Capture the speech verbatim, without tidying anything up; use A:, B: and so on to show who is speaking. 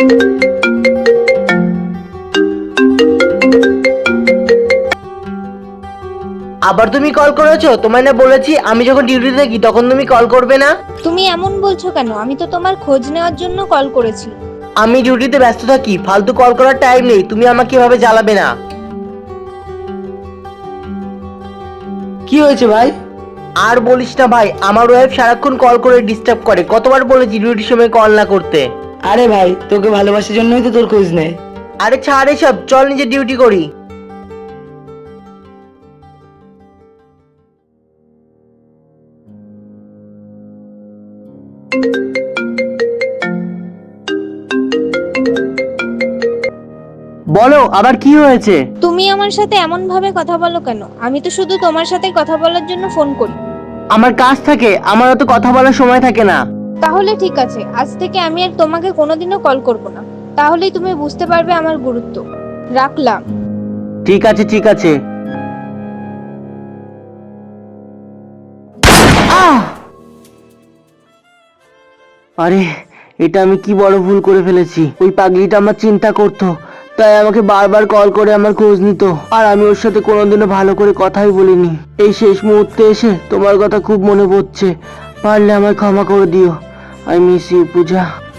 A: আবার তুমি কল করেছো? তোমায় না বলেছি আমি যখন ডিউটিতে থাকি তখন তুমি কল করবে না।
B: তুমি এমন বলছো কেন? আমি তো তোমার খোঁজ নেওয়ার জন্য কল করেছি।
A: আমি ডিউটিতে ব্যস্ত থাকি, ফালতু কল করার টাইম নেই, তুমি আমাকে এভাবে জ্বালাবে না।
C: কি হয়েছে ভাই?
A: আর বলিস না ভাই, আমার ওয়াইফ সারাক্ষণ কল করে ডিস্টার্ব করে। কতবার বলেছি ডিউটির সময় কল না করতে।
C: আরে ভাই, তোকে ভালোবাসার জন্যই তো তোর খোঁজ নেয়।
A: আরে ছাড় এসব, চল নিজে ডিউটি করি। বলো আবার কি হয়েছে?
B: তুমি আমার সাথে এমন ভাবে কথা বলো কেন? আমি তো শুধু তোমার সাথে কথা বলার জন্য ফোন করি।
A: আমার কাজ থাকে, আমার অত কথা বলার সময় থাকে না।
B: তাহলে ঠিক আছে, আজ থেকে আমি আর তোমাকে কোনোদিনও কল করব না। তাহলেই তুমি বুঝতে পারবে আমার গুরুত্ব। রাখলাম।
A: ঠিক আছে ঠিক আছে। আহ! আরে এটা আমি কি বড় ভুল করে ফেলেছি। ওই পাগলিটা আমার চিন্তা করতো, তাই আমাকে বারবার কল করে আমার খোঁজ নিত, আর আমি ওর সাথে কোনোদিনও ভালো করে কথাই বলিনি। এই শেষ মুহূর্তে এসে তোমার কথা খুব মনে পড়ছে, পারলে আমায় ক্ষমা করে দিও। I miss you Puja.